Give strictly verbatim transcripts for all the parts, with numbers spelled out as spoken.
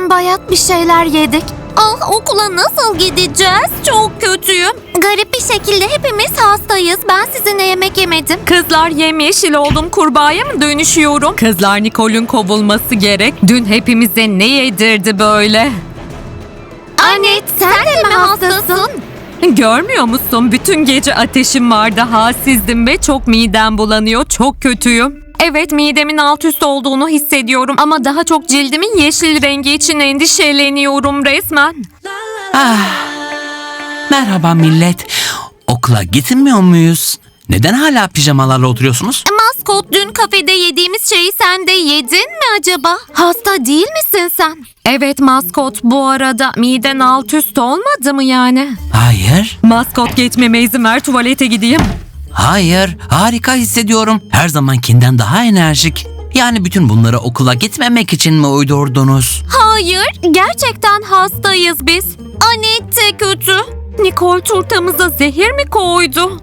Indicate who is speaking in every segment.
Speaker 1: bayat bir şeyler yedik. Ah, okula nasıl gideceğiz? Çok kötüyüm. Garip bir şekilde hepimiz hastayız. Ben sizinle yemek yemedim.
Speaker 2: Kızlar yemyeşil oldum, kurbağaya mı dönüşüyorum? Kızlar, Nicole'un kovulması gerek. Dün hepimize ne yedirdi böyle?
Speaker 1: Anne, sen, de mi hastasın?
Speaker 2: Görmüyor musun? Bütün gece ateşim vardı, halsizdim ve çok midem bulanıyor. Çok kötüyüm. Evet, midemin alt üst olduğunu hissediyorum ama daha çok cildimin yeşil rengi için endişeleniyorum resmen.
Speaker 3: Ah, merhaba millet. Okula gitmiyor muyuz? Neden hala pijamalarla oturuyorsunuz?
Speaker 1: Maskot, dün kafede yediğimiz şeyi sen de yedin mi acaba? Hasta değil misin sen?
Speaker 2: Evet maskot, bu arada miden alt üst olmadı mı yani?
Speaker 3: Hayır,
Speaker 2: Maskot, geçmeme izin ver, tuvalete gideyim.
Speaker 3: hayır. Harika hissediyorum. Her zamankinden daha enerjik. Yani bütün bunları okula gitmemek için mi uydurdunuz?
Speaker 1: Hayır, gerçekten hastayız biz. Anet de kötü.
Speaker 2: Nicole, turtamıza zehir mi koydu?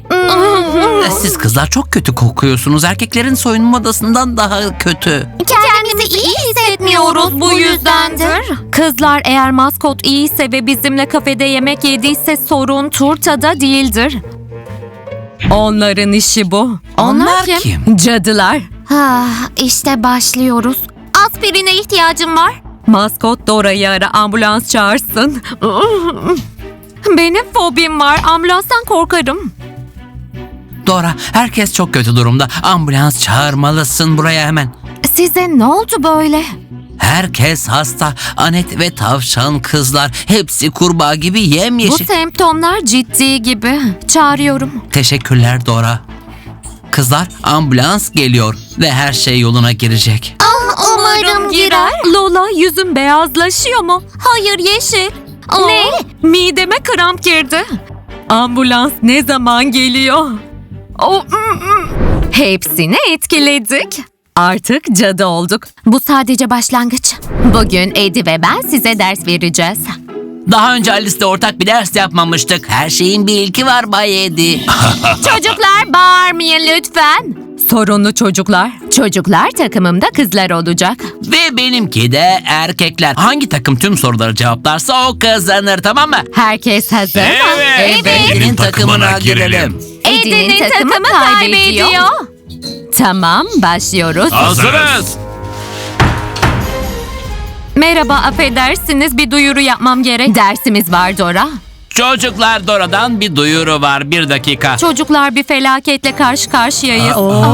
Speaker 3: Siz kızlar çok kötü kokuyorsunuz. Erkeklerin soyunma odasından daha kötü.
Speaker 1: Kendimizi iyi hissetmiyoruz bu yüzdendir.
Speaker 2: Kızlar, eğer maskot iyiyse ve bizimle kafede yemek yediyse sorun turtada değildir. Onların işi bu.
Speaker 3: Onlar kim?
Speaker 2: Cadılar.
Speaker 1: Ah, işte başlıyoruz. Aspirine ihtiyacım var.
Speaker 2: Maskot, Dora'yı ara, ambulans çağırsın. Benim fobim var, ambulanstan korkarım.
Speaker 3: Dora, herkes çok kötü durumda. Ambulans çağırmalısın buraya hemen.
Speaker 1: Size ne oldu böyle?
Speaker 3: Herkes hasta. Anet ve tavşan kızlar. Hepsi kurbağa gibi
Speaker 2: Bu
Speaker 3: yemyeşil.
Speaker 2: semptomlar ciddi gibi. Çağırıyorum.
Speaker 3: Teşekkürler Dora. Kızlar, ambulans geliyor ve her şey yoluna girecek.
Speaker 1: Umarım girer.
Speaker 2: Lola, yüzün beyazlaşıyor mu?
Speaker 1: Hayır, yeşil.
Speaker 2: Ne? Mideme kramp girdi. Ambulans ne zaman geliyor? O, hepsini etkiledik. Artık cadı olduk.
Speaker 1: Bu sadece başlangıç. Bugün Eddie ve ben size ders vereceğiz.
Speaker 3: Daha önce Alice'le ortak bir ders yapmamıştık. Her şeyin bir ilki var Bay Edi.
Speaker 1: Çocuklar, bağırmayın lütfen.
Speaker 2: Sorunlu çocuklar.
Speaker 1: Çocuklar takımımda kızlar olacak.
Speaker 3: Ve benimki de erkekler. Hangi takım tüm soruları cevaplarsa o kazanır, tamam mı?
Speaker 1: Herkes hazır mı?
Speaker 3: Eddie'nin takımına girelim.
Speaker 1: Eddie'nin takımı kaybediyor. Tamam, başlıyoruz.
Speaker 4: Hazırız.
Speaker 2: Merhaba, affedersiniz, bir duyuru yapmam gerek.
Speaker 1: Dersimiz var Dora.
Speaker 3: Çocuklar, Dora'dan bir duyuru var. Bir dakika.
Speaker 2: Çocuklar, bir felaketle karşı karşıyayız.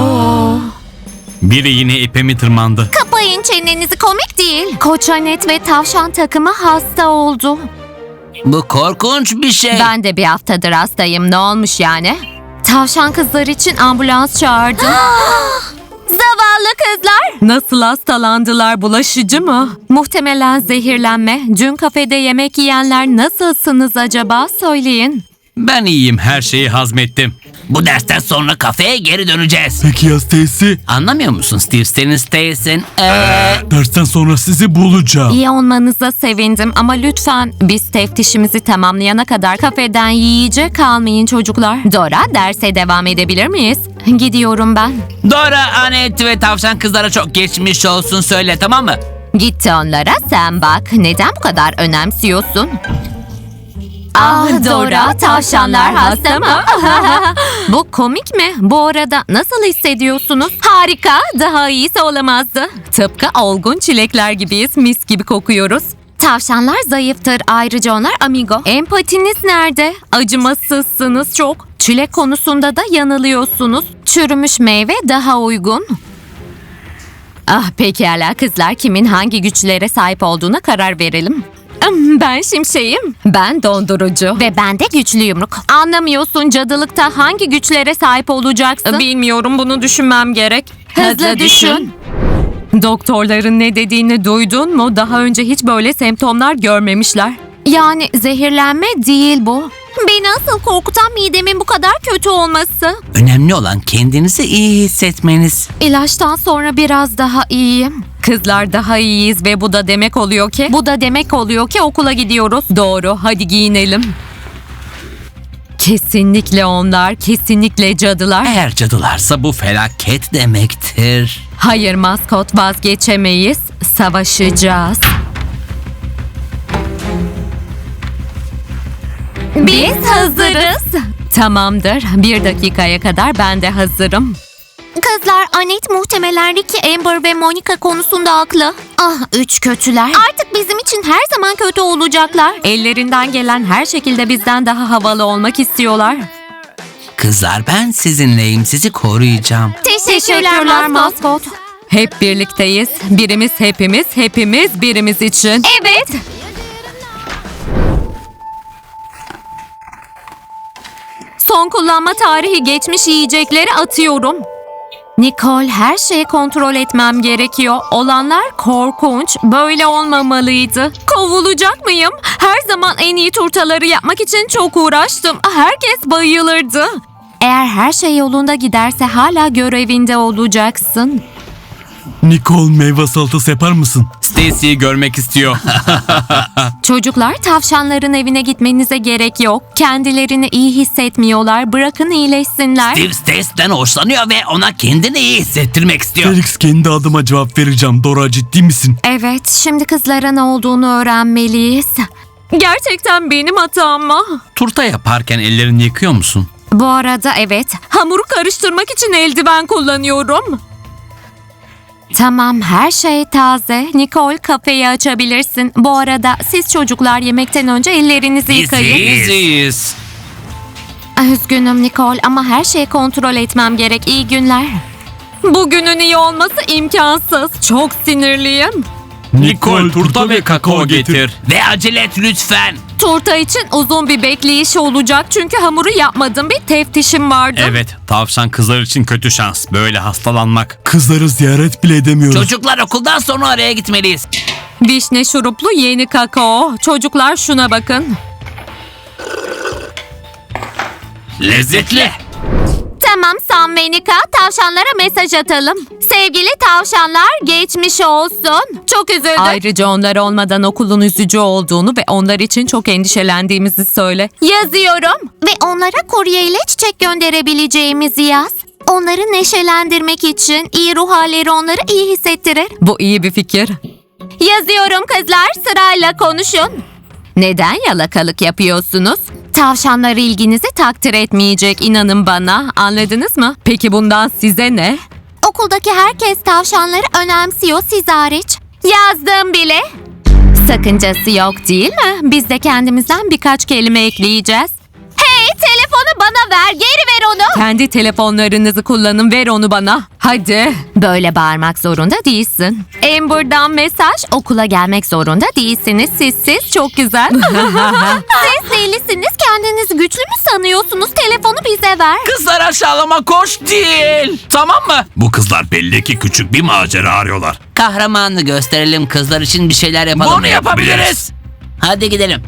Speaker 4: Biri yine ipimi tırmandı.
Speaker 1: Kapayın çenenizi, komik değil. Koç Anet ve tavşan takımı hasta oldu.
Speaker 3: Bu korkunç bir şey.
Speaker 1: Ben de bir haftadır hastayım. Ne olmuş yani?
Speaker 2: Tavşan kızlar için ambulans çağırdım.
Speaker 1: Zavallı kızlar.
Speaker 2: Nasıl hastalandılar, bulaşıcı mı? Muhtemelen zehirlenme. Dün kafede yemek yiyenler nasılsınız acaba, söyleyin.
Speaker 4: Ben iyiyim, her şeyi hazmettim.
Speaker 3: Bu dersten sonra kafeye geri döneceğiz.
Speaker 4: Peki ya Stacy?
Speaker 3: Anlamıyor musun Steve? Senin Stacy'sin. Ee,
Speaker 4: Dersten sonra sizi bulacağım.
Speaker 2: İyi olmanıza sevindim ama lütfen biz teftişimizi tamamlayana kadar kafeden yiyecek kalmayın çocuklar.
Speaker 1: Dora, derse devam edebilir miyiz?
Speaker 2: Gidiyorum ben.
Speaker 3: Dora, Anet ve tavşan kızlara çok geçmiş olsun söyle, tamam mı?
Speaker 1: Gitti onlara, sen bak. Neden bu kadar önemsiyorsun?
Speaker 2: Ah Dora, tavşanlar hasta mı? Bu komik mi? Bu arada nasıl hissediyorsunuz? Harika, daha iyisi olamazdı. Tıpkı olgun çilekler gibiyiz, mis gibi kokuyoruz.
Speaker 1: Tavşanlar zayıftır, ayrıca onlar amigo.
Speaker 2: Empatiniz nerede? Acımasızsınız çok. Çilek konusunda da yanılıyorsunuz. Çürümüş meyve daha uygun. Ah pekala kızlar, kimin hangi güçlere sahip olduğuna karar verelim. Ben şimşeğim. Ben dondurucu.
Speaker 1: Ve ben de güçlü yumruk.
Speaker 2: Anlamıyorsun, cadılıkta hangi güçlere sahip olacaksın? Bilmiyorum, bunu düşünmem gerek.
Speaker 1: Hızlı düşün.
Speaker 2: Doktorların ne dediğini duydun mu? Daha önce hiç böyle semptomlar görmemişler.
Speaker 1: Yani zehirlenme değil bu. Beni asıl korkutan midemin bu kadar kötü olması.
Speaker 3: Önemli olan kendinizi iyi hissetmeniz.
Speaker 2: İlaçtan sonra biraz daha iyiyim. Kızlar, daha iyiyiz ve bu da demek oluyor ki... Bu da demek oluyor ki okula gidiyoruz. Doğru, hadi giyinelim. Kesinlikle onlar, kesinlikle cadılar.
Speaker 3: Eğer cadılarsa bu felaket demektir.
Speaker 2: Hayır maskot, vazgeçemeyiz. Savaşacağız. Biz hazırız. Tamamdır. Bir dakikaya kadar ben de hazırım.
Speaker 1: Kızlar, Anet muhtemelen Ricky, Amber ve Monica konusunda haklı. Ah, üç kötüler. Artık bizim için her zaman kötü olacaklar.
Speaker 2: Ellerinden gelen her şekilde bizden daha havalı olmak istiyorlar.
Speaker 3: Kızlar ben sizinleyim. Sizi koruyacağım.
Speaker 1: Teşekkürler maskot.
Speaker 2: Hep birlikteyiz. Birimiz hepimiz, hepimiz birimiz için.
Speaker 1: Evet.
Speaker 2: Son kullanma tarihi geçmiş yiyecekleri atıyorum. Nicole, her şeyi kontrol etmem gerekiyor. Olanlar korkunç. Böyle olmamalıydı. Kovulacak mıyım? Her zaman en iyi turtaları yapmak için çok uğraştım. Herkes bayılırdı. Eğer her şey yolunda giderse hala görevinde olacaksın.
Speaker 4: Nicole, meyve salatası yapar mısın? Stacy'yi görmek istiyor.
Speaker 2: Çocuklar, tavşanların evine gitmenize gerek yok. Kendilerini iyi hissetmiyorlar. Bırakın iyileşsinler.
Speaker 3: Steve Stacy'den hoşlanıyor ve ona kendini iyi hissettirmek istiyor.
Speaker 4: Felix, kendi adıma cevap vereceğim. Dora, ciddi misin?
Speaker 2: Evet, şimdi kızlara ne olduğunu öğrenmeliyiz. Gerçekten benim hatam mı?
Speaker 3: Turta yaparken ellerini yıkıyor musun?
Speaker 2: Bu arada evet, hamuru karıştırmak için eldiven kullanıyorum. Tamam, her şey taze. Nicole, kafeyi açabilirsin. Bu arada siz çocuklar yemekten önce ellerinizi yıkayın.
Speaker 3: Biziz.
Speaker 2: Üzgünüm Nicole ama her şeyi kontrol etmem gerek. İyi günler. Bugünün iyi olması imkansız. Çok sinirliyim.
Speaker 4: Nicole, turta ve kakao getir.
Speaker 3: Ve acele et lütfen.
Speaker 2: Turta için uzun bir bekleyiş olacak çünkü hamuru yapmadım. Bir teftişim vardı.
Speaker 4: Evet, tavşan kızlar için kötü şans. Böyle hastalanmak. Kızları ziyaret bile edemiyoruz.
Speaker 3: Çocuklar, okuldan sonra oraya gitmeliyiz.
Speaker 2: Vişne şuruplu yeni kakao. Çocuklar şuna bakın.
Speaker 3: Lezzetli.
Speaker 1: Tamam Sam ve Nika, tavşanlara mesaj atalım. Sevgili tavşanlar, geçmiş olsun. Çok üzüldüm.
Speaker 2: Ayrıca onlar olmadan okulun üzücü olduğunu ve onlar için çok endişelendiğimizi söyle.
Speaker 1: Yazıyorum. Ve onlara kurye ile çiçek gönderebileceğimizi yaz. Onları neşelendirmek için iyi ruh halleri onları iyi hissettirir.
Speaker 2: Bu iyi bir fikir.
Speaker 1: Yazıyorum kızlar, sırayla konuşun.
Speaker 2: Neden yalakalık yapıyorsunuz? Tavşanlar ilginizi takdir etmeyecek, inanın bana. Anladınız mı? Peki bundan size ne?
Speaker 1: Okuldaki herkes tavşanları önemsiyor, siz hariç. Yazdım bile.
Speaker 2: Sakıncası yok değil mi? Biz de kendimizden birkaç kelime ekleyeceğiz.
Speaker 1: Hey, telefonu bana ver, geri ver onu.
Speaker 2: Kendi telefonlarınızı kullanın, ver onu bana. Hadi. Böyle bağırmak zorunda değilsin. Amber'dan mesaj, okula gelmek zorunda değilsiniz. Siz siz çok güzel.
Speaker 1: Siz delisiniz, kendinizi güçlü mü sanıyorsunuz? Telefonu bize ver.
Speaker 3: Kızlar, aşağılama koş değil. Tamam mı?
Speaker 4: Bu kızlar belli ki küçük bir macera arıyorlar.
Speaker 3: Kahramanını gösterelim, kızlar için bir şeyler yapalım.
Speaker 4: Bunu yapabiliriz.
Speaker 3: Hadi gidelim.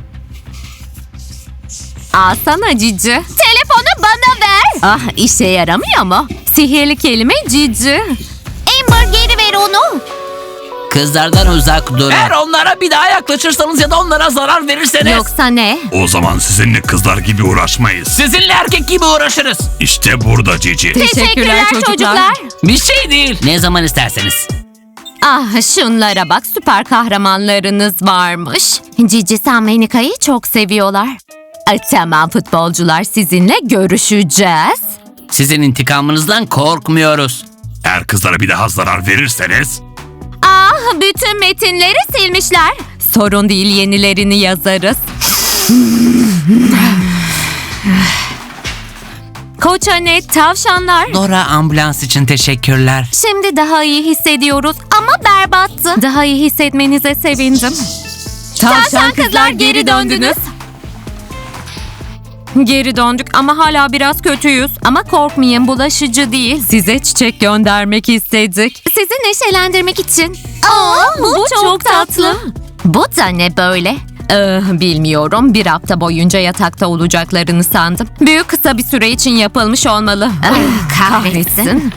Speaker 2: Alsana cici.
Speaker 1: Telefonu bana ver.
Speaker 2: Ah, işe yaramıyor mu? Sihirli kelime cici.
Speaker 1: Amber, geri ver onu.
Speaker 3: Kızlardan uzak durun. Eğer onlara bir daha yaklaşırsanız ya da onlara zarar verirseniz.
Speaker 2: Yoksa ne?
Speaker 4: O zaman sizinle kızlar gibi uğraşmayız.
Speaker 3: Sizinle erkek gibi uğraşırız.
Speaker 4: İşte burada Cici.
Speaker 2: Teşekkürler çocuklar.
Speaker 3: Bir şey değil. Ne zaman isterseniz.
Speaker 2: Ah, şunlara bak, süper kahramanlarınız varmış. Cici, Sam ve Nika'yı çok seviyorlar. Ay, tamam futbolcular, sizinle görüşeceğiz.
Speaker 3: Sizin intikamınızdan korkmuyoruz.
Speaker 4: Eğer kızlara bir daha zarar verirseniz...
Speaker 1: Ah, bütün metinleri silmişler.
Speaker 2: Sorun değil, yenilerini yazarız. Koç Anet, tavşanlar.
Speaker 3: Dora, ambulans için teşekkürler.
Speaker 2: Şimdi daha iyi hissediyoruz.
Speaker 1: Ama berbattı.
Speaker 2: Daha iyi hissetmenize sevindim.
Speaker 1: Tavşan kızlar, geri döndünüz.
Speaker 2: Geri döndük ama hala biraz kötüyüz. Ama korkmayın, bulaşıcı değil. Size çiçek göndermek istedik.
Speaker 1: Sizi neşelendirmek için. Aa, bu, çok, tatlı.
Speaker 2: Bu da ne böyle? Ee, bilmiyorum. Bir hafta boyunca yatakta olacaklarını sandım. Büyük kısa bir süre için yapılmış olmalı.
Speaker 1: Ah, kahretsin.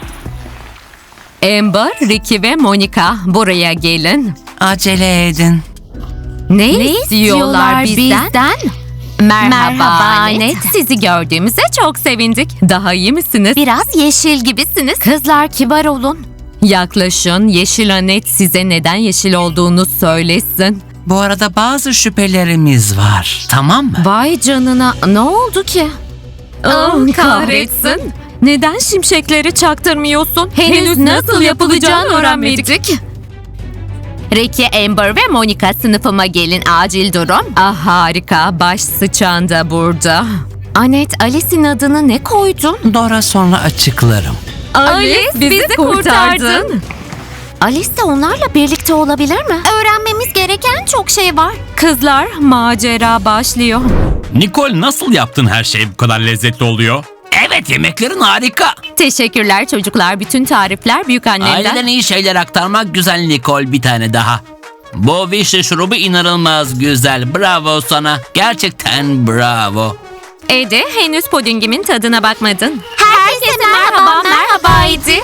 Speaker 2: Amber, Ricky ve Monica, buraya gelin.
Speaker 3: Acele edin.
Speaker 2: Ne,
Speaker 1: Ne
Speaker 2: istiyorlar bizden?
Speaker 1: bizden?
Speaker 2: Merhaba,
Speaker 1: Merhaba
Speaker 2: Anet.
Speaker 1: Anet.
Speaker 2: Sizi gördüğümüze çok sevindik. Daha iyi misiniz?
Speaker 1: Biraz yeşil gibisiniz.
Speaker 2: Kızlar, kibar olun. Yaklaşın. Yeşil Anet size neden yeşil olduğunu söylesin.
Speaker 3: Bu arada bazı şüphelerimiz var. Tamam mı?
Speaker 2: Vay canına, ne oldu ki? Ah, kahretsin. Neden şimşekleri çaktırmıyorsun? Henüz nasıl yapılacağını öğrenmedik. Ricky, Amber ve Monica sınıfıma gelin, acil durum. Ah harika, baş sıçan da burada. Anet, Alice'in adını ne koydun?
Speaker 3: Dora sonra açıklarım.
Speaker 2: Alice, bizi kurtardın.
Speaker 1: Alice de onlarla birlikte olabilir mi? Öğrenmemiz gereken çok şey var.
Speaker 2: Kızlar, macera başlıyor.
Speaker 4: Nicole, nasıl yaptın her şey bu kadar lezzetli oluyor?
Speaker 3: Evet, yemeklerin harika.
Speaker 2: Teşekkürler çocuklar, bütün tarifler büyükannemden.
Speaker 3: Aileden iyi şeyler aktarmak güzel Nicole, bir tane daha. Bu vişne şurubu inanılmaz güzel. Bravo sana. Gerçekten bravo.
Speaker 2: Ede, henüz pudingimin tadına bakmadın.
Speaker 1: Herkese merhaba, merhaba Edi.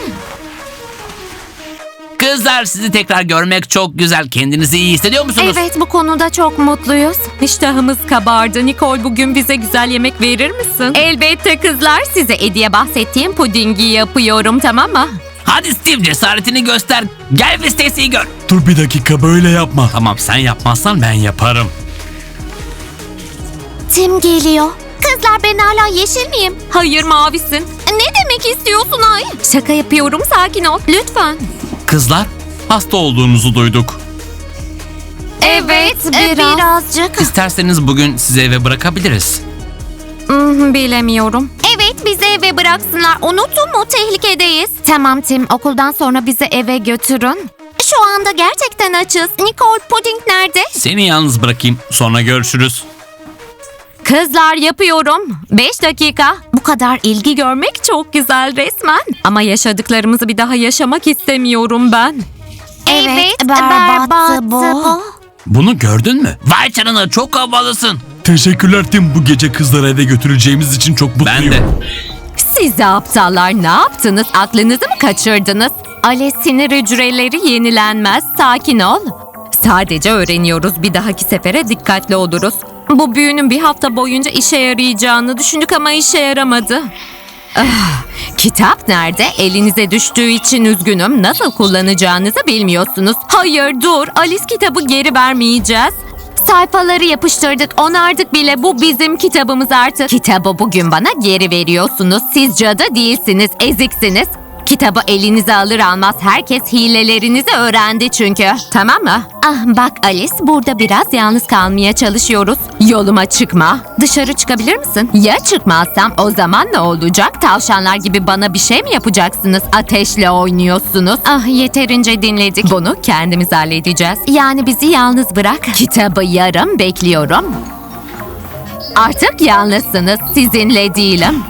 Speaker 3: Kızlar, sizi tekrar görmek çok güzel. Kendinizi iyi hissediyor musunuz?
Speaker 1: Evet, bu konuda çok mutluyuz.
Speaker 2: İştahımız kabardı. Nicole, bugün bize güzel yemek verir misin? Elbette kızlar. Size Eddie'ye bahsettiğim pudingi yapıyorum, tamam mı?
Speaker 3: Hadi Steve, cesaretini göster. Gel ve Stacy'yi gör.
Speaker 4: Dur bir dakika, böyle yapma. Tamam, sen yapmazsan ben yaparım.
Speaker 1: Tim geliyor. Kızlar, ben hala yeşil miyim?
Speaker 2: Hayır, mavisin.
Speaker 1: Ne demek istiyorsun Ay?
Speaker 2: Şaka yapıyorum, sakin ol.
Speaker 1: Lütfen.
Speaker 3: Kızlar,
Speaker 4: Hasta olduğunuzu duyduk.
Speaker 1: Evet,
Speaker 2: biraz.
Speaker 1: birazcık.
Speaker 3: isterseniz bugün sizi eve bırakabiliriz.
Speaker 2: Hmm, bilemiyorum.
Speaker 1: Evet, bizi eve bıraksınlar. Unuttun mu? Tehlikedeyiz. Tamam Tim, okuldan sonra bizi eve götürün. Şu anda gerçekten açız. Nicole, puding nerede?
Speaker 3: Seni yalnız bırakayım.
Speaker 4: Sonra görüşürüz.
Speaker 2: Kızlar, yapıyorum. Beş dakika. Bu kadar ilgi görmek çok güzel resmen. Ama yaşadıklarımızı bir daha yaşamak istemiyorum ben.
Speaker 1: Evet, berbattı bu.
Speaker 3: Bunu gördün mü? Vay canına, çok havalısın.
Speaker 4: Teşekkürler Tim. Bu gece kızları eve götüreceğimiz için çok mutluyum.
Speaker 3: Ben de.
Speaker 2: Siz de aptallar, ne yaptınız? Aklınızı mı kaçırdınız? Ale, sinir hücreleri yenilenmez. Sakin ol. Sadece öğreniyoruz. Bir dahaki sefere dikkatli oluruz. Bu büyünün bir hafta boyunca işe yarayacağını düşündük ama işe yaramadı. Ah, kitap nerede? Elinize düştüğü için üzgünüm. Nasıl kullanacağınızı bilmiyorsunuz. Hayır, dur. Alice, kitabı geri vermeyeceğiz. Sayfaları yapıştırdık, onardık bile. Bu bizim kitabımız artık. Kitabı bugün bana geri veriyorsunuz. Siz cadı değilsiniz, eziksiniz. Kitabı elinize alır almaz herkes hilelerinizi öğrendi çünkü. Tamam mı? Ah bak Alice, burada biraz yalnız kalmaya çalışıyoruz. Yoluma çıkma. Dışarı çıkabilir misin? Ya çıkmazsam o zaman ne olacak? Tavşanlar gibi bana bir şey mi yapacaksınız? Ateşle oynuyorsunuz. Ah, yeterince dinledik. Bunu kendimiz halledeceğiz. Yani bizi yalnız bırak. Kitabı yarım bekliyorum. Artık yalnızsınız. Sizinle değilim.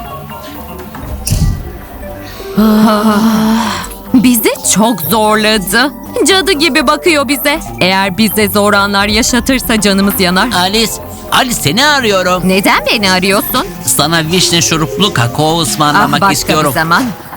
Speaker 2: Bizi çok zorladı. Cadı gibi bakıyor bize. Eğer bize zor anlar yaşatırsa canımız yanar.
Speaker 3: Alice, Alice seni arıyorum.
Speaker 2: Neden beni arıyorsun?
Speaker 3: Sana vişne şuruplu kakao
Speaker 2: Ah,
Speaker 3: ısmarlamak
Speaker 2: başka
Speaker 3: istiyorum.
Speaker 2: bir zaman.